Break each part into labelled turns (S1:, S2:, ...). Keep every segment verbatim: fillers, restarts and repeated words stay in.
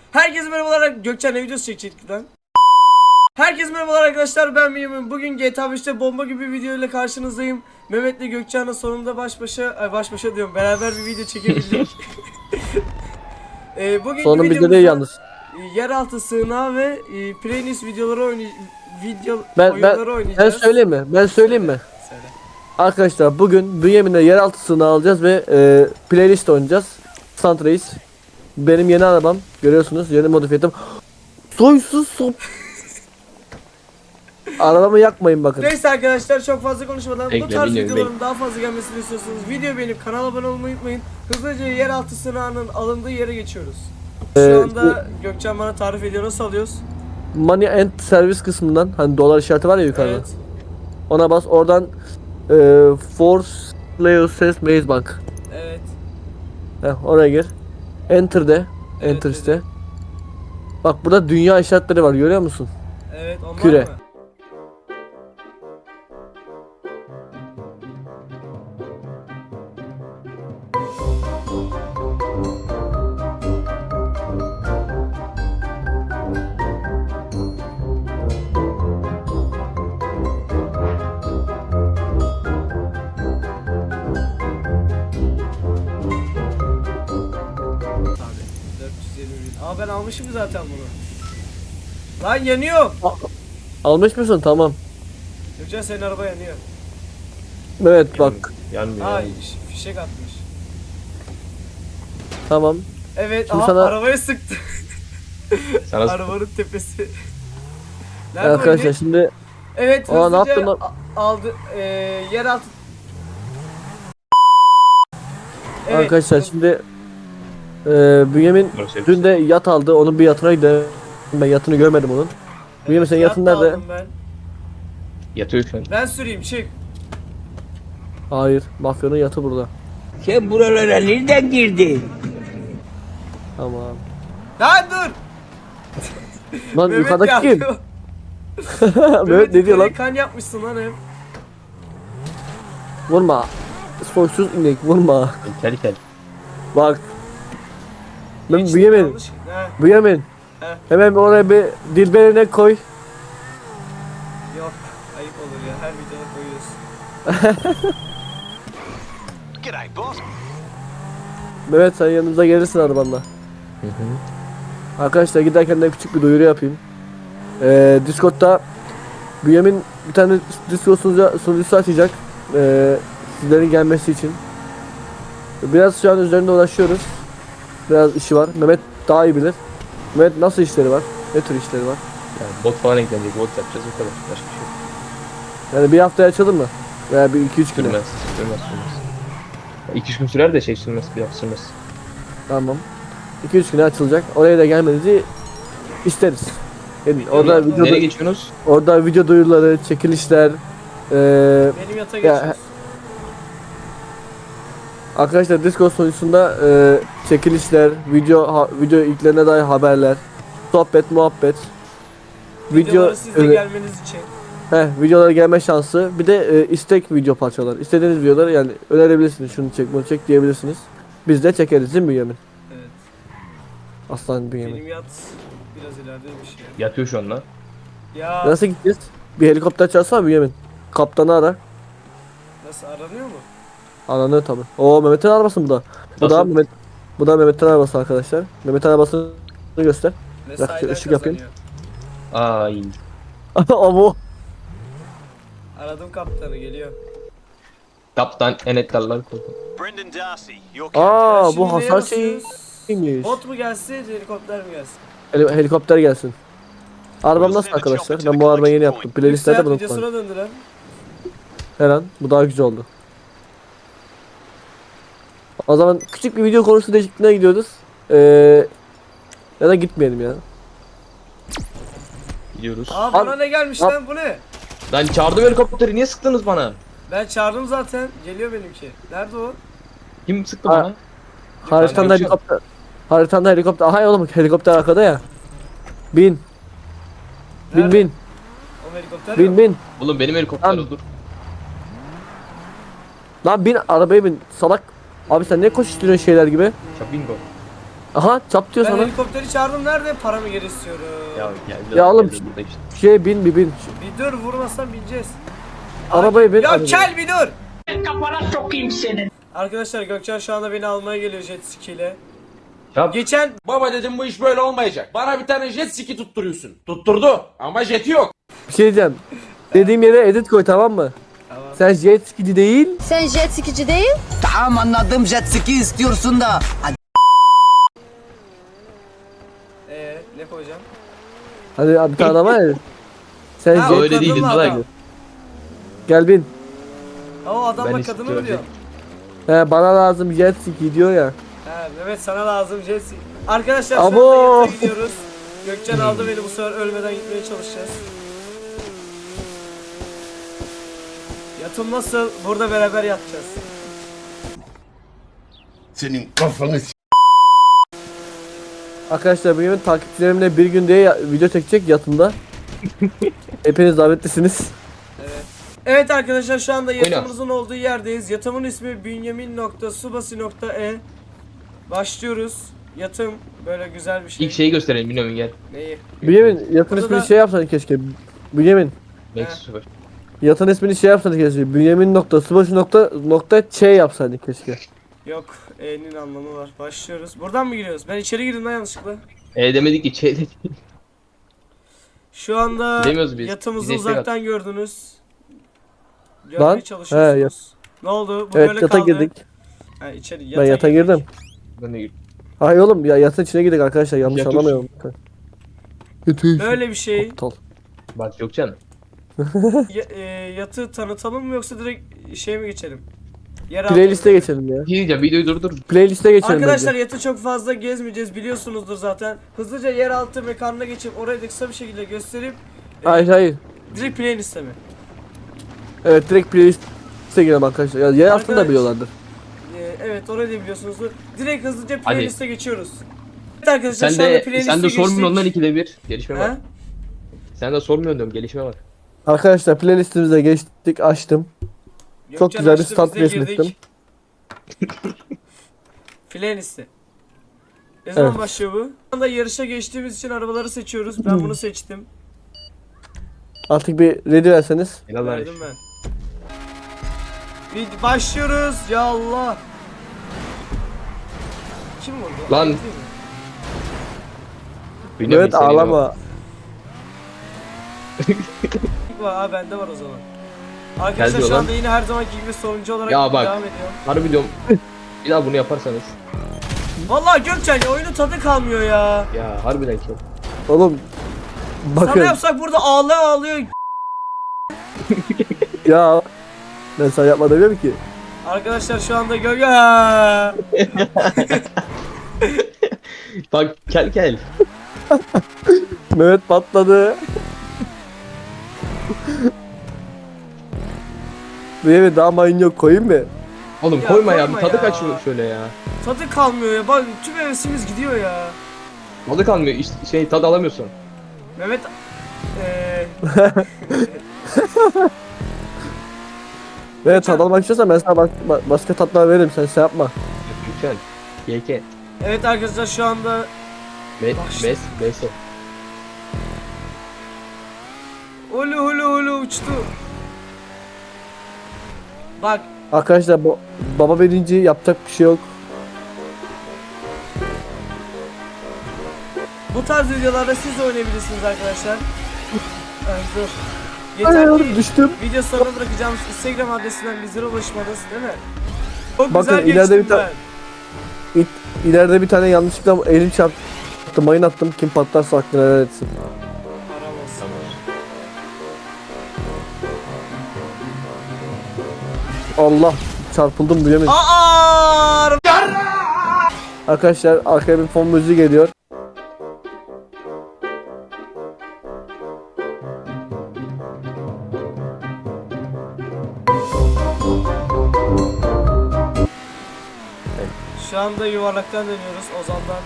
S1: Herkese merhabalar. Gökçen'le videosu çekecektik lan. Herkese merhabalar arkadaşlar, ben Mehmet. Bugün G T A beşte bomba gibi bir video ile karşınızdayım. Mehmet'le Gökçen'le sonunda baş başa, ay baş başa diyorum, beraber bir video çekebildik. ee, bugün
S2: Sonun bir de değil yalnız.
S1: yeraltı sığınağı ve e, playlist videoları oynay video
S2: Ben ben
S1: oyunları
S2: ben
S1: oynayacağız.
S2: söyleyeyim mi? Ben söyleyeyim mi?
S1: Söyle.
S2: Arkadaşlar bugün Bünyamin'le yeraltı sığınağı alacağız ve e, playlist oynayacağız. Sant Reis. Benim yeni arabam. Görüyorsunuz, yeni modifiye ettim. Soysuz sop. Arabamı yakmayın bakın.
S1: Neyse arkadaşlar, çok fazla konuşmadan
S3: Bekle,
S1: bu tarz
S3: bilmiyorum,
S1: videoların daha fazla gelmesini istiyorsanız video beğenip kanala abone olmayı unutmayın. Hızlıca yeraltı sığınağının alındığı yere geçiyoruz. Şu
S2: Ee,
S1: anda Gökçen bana tarif ediyor, nasıl alıyoruz?
S2: Money and Service kısmından, hani dolar işareti var ya yukarıda.
S1: Evet.
S2: Ona bas, oradan e, Force Leo Ses Maze Bank.
S1: Evet.
S2: Heh, oraya gir. Enter de.
S1: Evet,
S2: Enter
S1: evet.
S2: iste. Bak burada dünya işaretleri var, görüyor musun?
S1: Evet, onlar
S2: Küre.
S1: mı? Abi dört yüz yirmi bin. Aa, ben almışım zaten bunu. Lan yanıyor.
S2: Almış mısın? Tamam.
S1: Gökçen, senin araba yanıyor.
S2: Evet bak.
S3: Yanmıyor.
S1: Aa,
S3: yanmıyor.
S1: fiş- fişek atmış.
S2: Tamam.
S1: Evet,
S2: Şimdi
S1: aha,
S2: sana-
S1: arabaya sıktı.
S3: Sana
S1: Arabanın tepesi. Nerede
S2: Arkadaşlar
S1: oynuyor?
S2: şimdi
S1: Evet,
S2: Aa, ne
S1: hızlıca
S2: yaptın lan?
S1: a- aldı eee yeraltı. Evet,
S2: arkadaşlar
S1: hız-
S2: şimdi e, Bünyamin
S3: Burası
S2: dün de yat aldı. Onun bir yatına gidelim. Ben yatını görmedim onun. Bünyamin
S1: evet,
S2: senin
S1: yat
S2: yatın
S1: da
S2: nerede?
S1: aldım Ben.
S3: yatıyor şu an.
S1: ben süreyim, çık.
S2: Hayır. Mafyanın yatı burada.
S4: Sen buralara nereden girdin?
S2: Tamam.
S1: Lan dur.
S2: Lan
S1: Mehmet
S2: yukarıdaki kim?
S1: yapıyor.
S2: Mehmet ne diyor lan?
S1: yukarıya kan yapmışsın lan hep.
S2: Vurma. Soysuz inek vurma.
S3: Kel kel.
S2: Bak. Ben
S1: Geçtim,
S2: Bünyamin.
S1: yanlış. He,
S2: Bünyamin.
S1: He.
S2: Hemen oraya bir dilberine koy.
S1: yok. Ayıp olur ya. Her videoda koyuyorsun.
S2: Mehmet sen yanımıza gelirsin arabanla. Arkadaşlar giderken de küçük bir duyuru yapayım. Ee, Discord'da Bünyamin bir tane Discord sunucu, sunucusu açacak. Ee, sizlerin gelmesi için. Biraz şu an üzerinde uğraşıyoruz. Biraz işi var. Mehmet daha iyi bilir. Mehmet nasıl işleri var? Ne tür işleri var?
S3: Yani bot falan eklenecek. Bot yapacağız o kadar. Başka bir şey yok.
S2: Yani bir haftaya açalım mı? Veya bir iki üç güne.
S3: Sürmez. Sürmez sürmez. iki üç gün sürer de şey sürmez. Bir hafta sürmez.
S2: Tamam. iki üç güne açılacak. Oraya da gelmenizi isteriz. Yani orada
S3: Nereye-
S2: video
S3: Nereye geçiyorsunuz?
S2: orada video duyuruları, çekilişler, eee
S1: Benim yata
S2: Ya,
S1: geçiyorsun.
S2: arkadaşlar Discord sunucusunda eee çekilişler, video ha, video ilklerine dair haberler, sohbet, muhabbet, video
S1: Videoları sizde
S2: öne-
S1: gelmeniz için.
S2: Heh, videolara gelme şansı. Bir de e, istek video parçaları. İstediğiniz videoları yani önerebilirsiniz. Şunu çek, bunu çek diyebilirsiniz. Biz de çekeriz değil mi Bünyamin?
S1: Evet.
S2: Aslan Bünyamin.
S1: Benim yat biraz ilerideymiş ya.
S3: Yatıyor şu an lan.
S1: Ya
S2: Nasıl gideceğiz? Bir helikopter çağırsana Bünyamin. Kaptanı ara.
S1: nasıl aranıyor mu?
S2: Ananı tabi. Oo Mehmet'in arabası bu da. Bu da
S3: Nasıl?
S2: Mehmet. Bu da Mehmet'in arabası arkadaşlar. Mehmet'in arabasını göster.
S1: Mesailer
S2: ışık yapayım.
S1: kazanıyor.
S3: Ay.
S2: O bu.
S1: Aradım kaptanı, geliyor.
S3: Kaptan enektarlar koydum.
S5: Brendan Darcy, your
S2: Aa
S1: Şimdi
S2: bu
S1: neye
S2: hasar
S1: basıyoruz?
S2: şeyiymiş.
S1: Bot mu gelsin, helikopter mi gelsin?
S2: Heli- helikopter gelsin. Arabam nasıl arkadaşlar? Ben bu arabayı yeni yaptım. Playlistlerde
S1: Seyahat
S2: bunu
S1: videosuna
S2: kullanıyorum.
S1: döndüren.
S2: Her an bu daha güzel oldu. O zaman küçük bir video konusu değişikliğine gidiyoruz. Ee, ya da gitmeyelim ya.
S3: Gidiyoruz.
S1: Aa, bana
S2: Abi-
S1: ne gelmiş
S2: Abi-
S1: lan, bu ne?
S3: Lan çağırdım helikopteri. Niye sıktınız bana?
S1: Ben çağırdım zaten. Geliyor benimki. Nerede o?
S3: Kim sıktı
S2: Ha.
S3: bana?
S2: Haritanda
S3: Ben
S2: helikopter. Haritanda helikopter. Aha oğlum helikopter arkada ya. Bin. Bin
S1: Nerede?
S2: bin.
S1: O helikopter
S2: Bin
S1: yok.
S2: bin.
S3: Oğlum benim helikopter
S2: Lan.
S3: dur.
S2: Lan bin arabaya bin. Salak. Abi sen ne koşuşturuyorsun şeyler gibi?
S3: Şapingo.
S2: Aha çap diyor
S1: Ben
S2: sana.
S1: helikopteri çağırdım, nerede? Paramı geri istiyorum.
S3: Ya geldi.
S2: Ya oğlum,
S3: geldi burada işte.
S2: Şey bin bir bin.
S1: Bir dur, vurmasan bineceğiz.
S2: Arabayı bin.
S1: Ya
S2: arabayı.
S1: kel bir dur.
S4: Kafana sokayım senin.
S1: Arkadaşlar Gökçen şu anda beni almaya geliyor jet ski ile.
S3: Çap.
S1: Geçen
S6: Baba dedim bu iş böyle olmayacak. Bana bir tane jet ski tutturuyorsun. Tutturdu ama jeti yok.
S2: Bir şey diyeceğim. Dediğim yere edit koy, tamam mı?
S1: Tamam.
S2: Sen jet skici değil.
S7: Sen jet skici değil.
S4: Tamam anladım jet ski istiyorsun da. Hadi.
S1: Ee, ne koyacağım?
S2: Hadi abi bir tane var ya. Sen
S1: Ha,
S2: jet
S1: o
S3: Öyle değil
S1: kadınla
S3: daha
S1: adam.
S3: güzel.
S2: gel bin.
S1: Ha, o adamla
S3: Ben
S1: kadını mı
S3: istiyorum.
S1: diyor?
S2: He bana lazım jet ski diyor ya.
S1: He Mehmet, sana lazım jet ski. Arkadaşlar şu
S2: Abo.
S1: anda yatağa gidiyoruz. Gökçen aldı beni, bu sefer ölmeden gitmeye çalışacağız. Yatım nasıl? Burada beraber yatacağız.
S2: Arkadaşlar bugün takipçilerimle bir gün diye ya- video çekecek yatımda. Hepiniz davetlisiniz.
S1: Evet arkadaşlar, şu anda yatımımızın olduğu yerdeyiz. Yatımın ismi bünyamin nokta subasi nokta e. Başlıyoruz. Yatım böyle güzel bir şey.
S3: İlk şeyi gösterelim bilmiyorum gel.
S1: Neyi?
S2: Bünyamin yatın
S1: Burada
S2: ismini
S1: da-
S2: şey yapsan keşke. Bünyamin
S3: Max sıfır.
S2: yatın ismini şey yapsan keşke. Bünyamin nokta subaşı nokta nokta ç yapsaydın keşke.
S1: Yok, E'nin anlamı var. Başlıyoruz. Buradan mı giriyoruz? Ben içeri girdim lan yanlışlıkla.
S3: E demedik ki şey dedik.
S1: Şu anda
S3: Gidemiyoruz biz.
S1: yatımızı
S3: Bize istek
S1: uzaktan gördünüz. Görmeye
S2: Lan,
S1: çalışıyorsunuz. Ne oldu? Bu
S2: Evet
S1: böyle
S2: yata
S1: kaldı.
S2: girdik.
S1: Ha, içeri,
S2: Ben yata
S1: girdik.
S2: girdim.
S3: Ben de gir-
S2: Hayır oğlum ya yatın içine girdik arkadaşlar, yanlış
S3: Yatış.
S2: anlamayalım. Yatış.
S1: Böyle bir şey.
S2: Aptal.
S3: Bak Gökçen.
S1: Ya- e, yatı tanıtalım mı yoksa direkt şey mi geçelim? Yer
S2: Playlist'e
S1: altına-
S2: geçelim ya.
S3: Bir şey diyeceğim videoyu durdur.
S2: Playlist'e geçelim
S1: Arkadaşlar
S2: bence.
S1: yatı çok fazla gezmeyeceğiz, biliyorsunuzdur zaten. Hızlıca yeraltı mekanına geçip orayı da kısa bir şekilde gösterip e,
S2: Hayır hayır.
S1: direkt playlist'e mi?
S2: Evet direkt playlist'e girelim arkadaşlar. Ya yer altını da
S1: Arkadaş-
S2: biliyorlardır.
S1: E, evet, orayı da biliyorsunuzdur. Direkt hızlıca
S3: Hadi.
S1: playlist'e geçiyoruz. Evet arkadaşlar,
S3: Sen
S1: şu anda
S3: de
S1: playlist'e
S3: sen de sormuyorsun
S1: geçtik.
S3: ondan ikide bir. Gelişme var.
S1: Ha?
S3: Sen de sormuyorsun diyorum gelişme var.
S2: Arkadaşlar playlistimize geçtik, açtım. Çok
S1: Gökçen
S2: güzel bir
S1: açtı,
S2: stat
S1: biz de girdik.
S2: resmettim.
S1: Playlist'e. Ne zaman
S2: Evet.
S1: başlıyor bu? Şu anda yarışa geçtiğimiz için arabaları seçiyoruz. Ben bunu seçtim.
S2: Artık bir ready verseniz.
S3: Helal lan.
S1: Verdim ben. Bir başlıyoruz. Ya Allah. Kim vurdu?
S3: Lan.
S1: Değil mi?
S3: Bilmiyorum,
S2: Evet
S3: senin o-
S2: ağlama.
S1: İlk var, ha bende var o zaman. Arkadaşlar
S3: Geldi
S1: şu
S3: olan.
S1: anda yine her zamanki gibi sonuncu olarak
S3: Ya bak.
S1: devam ediyor.
S3: Harbi diyorum. Bir daha bunu yaparsanız.
S1: Vallahi Gökçen ya, oyunun tadı kalmıyor ya.
S3: Ya harbiden ki.
S2: Oğlum
S1: Sana
S2: bakın
S1: yapsak burada ağlıyor ağlıyor.
S2: ya ben sana yapma demiyorum ki.
S1: Arkadaşlar şu anda gö ya.
S3: Bak gel gel.
S2: Mehmet patladı. Bir eve daha mayın yok, koyayım mı?
S3: Oğlum
S1: Ya
S3: koyma ya.
S1: koyma
S3: Bir tadı
S1: ya.
S3: kaçıyor şöyle ya.
S1: Tadı kalmıyor ya. Bak tüm hevesimiz gidiyor ya.
S3: Tadı kalmıyor. İşte şey tadı alamıyorsun.
S1: Mehmet eee
S2: Evet tad almak istiyorsan ben sana bak- ba- başka tatlar veririm, sen şey yapma.
S3: Güzel. Y K.
S1: evet arkadaşlar şu anda
S3: Me
S1: Bak işte.
S3: Mes Meso.
S1: hulu hulu hulu uçtu. Bak
S2: Arkadaşlar bu baba birinci, yapacak bir şey yok.
S1: bu tarz videolarda siz de oynayabilirsiniz arkadaşlar. Ay, dur. Yeter
S2: Hayır
S1: ki
S2: düştüm.
S1: video sonuna bırakacağım Instagram adresinden bizlere ulaşmanız, değil mi? Çok
S2: Bakın,
S1: güzel
S2: ileride
S1: geçtim
S2: bir ta-
S1: ben.
S2: İ- İleride bir tane yanlışlıkla elim çarptı, mayın attım, kim patlarsa aklına helal etsin.
S1: Haram olsun.
S2: Allah çarpıldım duyamıyorum.
S1: Aa!
S2: Arkadaşlar arkaya bir fon müziği geliyor.
S1: Şu anda yuvarlaktan dönüyoruz Ozan'dan.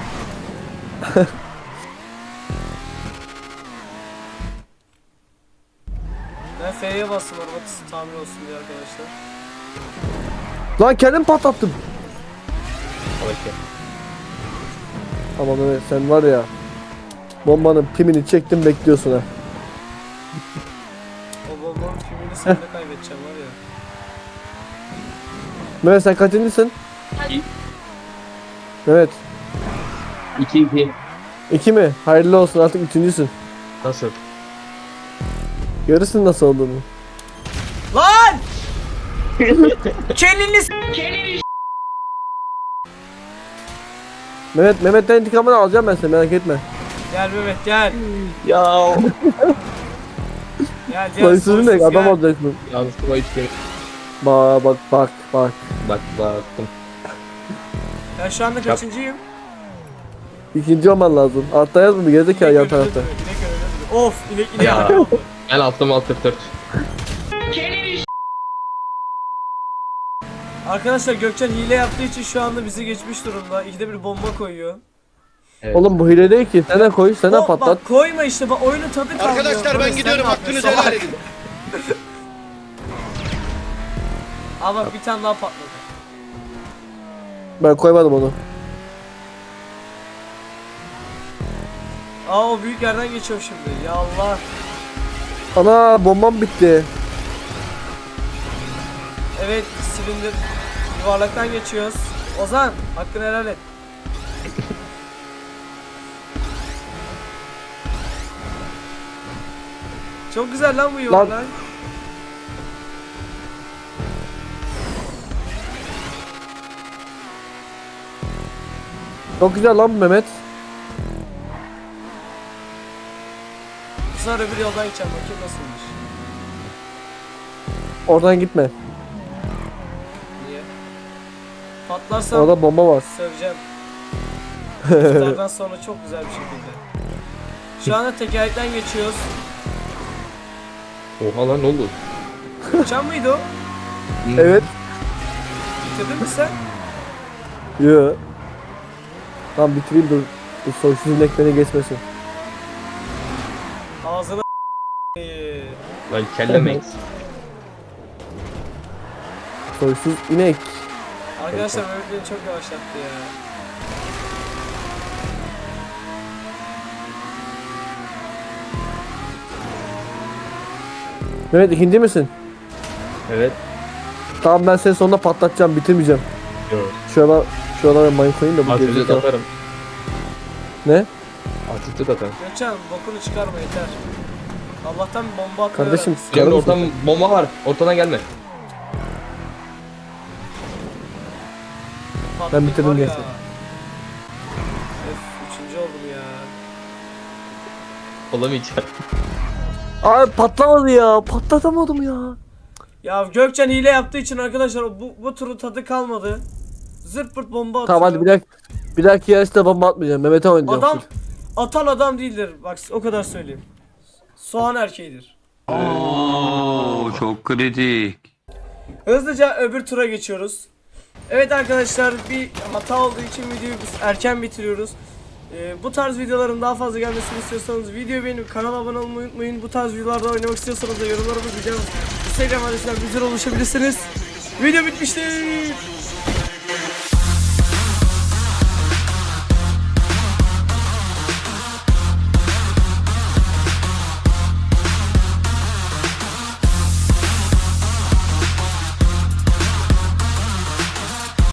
S1: Ben F'ye bastım araba tamir olsun diye arkadaşlar.
S2: Lan kendim patlattım.
S3: Al işte.
S2: Ama Mehmet sen var ya. Bombanın pimini çektim bekliyorsun ha.
S1: O bombanın filmini sen de kaybedeceğim var ya.
S2: Mehmet sen kaçıncısın?
S3: İki.
S2: Evet.
S3: iki iki.
S2: İki mi? Hayırlı olsun artık üçüncüsün.
S3: Nasıl?
S2: Görürsün nasıl olduğunu.
S1: Lan! Kelini s-
S2: Mehmet Mehmet'ten intikamını alacağım ben seni merak etme.
S1: Gel Mehmet gel.
S3: Ya.
S1: Gel gel.
S2: Soysuzun ne?
S1: soysuz
S2: Adam
S1: gel.
S2: olacaksın.
S3: Yanlışlıkla hiç kere.
S2: Bak bak bak bak.
S3: Bak baktım.
S1: Ben şu anda kaçıncıyım?
S2: İkinci olman lazım. Altta yaz mı? Gerizekalı yan
S1: İnek öldürdü,
S2: tarafta.
S1: inek öldürdü. Of inek inek
S3: Ya.
S1: inek oldu.
S3: Ben altım altı dört.
S1: Arkadaşlar Gökçen hile yaptığı için şu anda bizi geçmiş durumda. İkide bir bomba koyuyor.
S3: Evet.
S2: Oğlum bu hile değil ki. Sen de koy, sen de
S1: O-
S2: patlat.
S1: Bak koyma işte bak oyunun tadı kalmıyor.
S7: Arkadaşlar
S1: Barış,
S7: ben
S1: sen
S7: gidiyorum,
S1: ne
S7: hakkınızı
S1: yapıyorsun?
S7: helal edin.
S1: Aa bak bir tane daha patladı.
S2: Ben koymadım onu.
S1: Aa o büyük yerden geçiyorum şimdi. Ya Allah.
S2: Ana bombam bitti.
S1: Evet silindir. Yuvarlaktan geçiyoruz. Ozan hakkını helal et. Çok güzel lan bu yuvarlak.
S2: Çok güzel lan bu Mehmet.
S1: Sonra bir yoldan gideceğim bakayım nasılmış.
S2: Oradan gitme.
S1: Niye? Patlarsam
S2: Orada bomba var.
S1: söveceğim. İftardan sonra çok güzel bir şekilde. Şu anda tekerlekten geçiyoruz.
S3: Oha lan ne oldu?
S1: Uçan mıydı o?
S2: Evet.
S1: Bitirdin mi sen?
S2: Yo. Tamam bitireyim dur. Bu soysuz inek beni geçmesin.
S1: Ağzına Ee,
S3: Lan kellemeyiz.
S2: Soysuz inek.
S1: Arkadaşlar Mehmet beni çok yavaşlattı ya.
S2: Mehmet ikinci misin?
S3: Evet.
S2: Tamam ben seni sonunda patlatacağım bitirmeyeceğim.
S3: Yok.
S2: Şöyle şuralara mayın koyayım da bu
S3: Artık
S2: gerizekalı.
S3: atarım.
S2: Ne?
S3: Artık atarım.
S1: Gökçen bokunu çıkarma yeter. Allah'tan bir bomba atmayı
S2: Kardeşim
S1: öğrenmişsin.
S3: Cemre
S2: çıkarır
S3: ortam
S2: mısın?
S3: bomba var. Ortadan gelme.
S1: Patladık
S2: Ben bitirdim
S1: var ya.
S2: gerçi.
S1: Öf, üçüncü oldum ya.
S3: Olamayacak.
S2: Abi patlamadı ya. Patlatamadım ya.
S1: Ya Gökçen hile yaptığı için arkadaşlar bu, bu turun tadı kalmadı. Zırt pırt bomba atıyor.
S2: Tamam hadi bir dakika. Bir dahaki yarışta bomba atmayacağım. Mehmet'e oynayacağım.
S1: Adam atan adam değildir. Bak o kadar söyleyeyim. Soğan erkeğidir.
S7: Oo, çok kritik.
S1: Hızlıca öbür tura geçiyoruz. Evet arkadaşlar bir hata olduğu için videoyu biz erken bitiriyoruz. Ee, bu tarz videoların daha fazla gelmesini istiyorsanız videoyu beğenip kanala abone olmayı unutmayın. Bu tarz videolarda oynamak istiyorsanız da yorumlara bırakacağım. Instagram adresinden bizlere ulaşabilirsiniz. Video bitmiştir.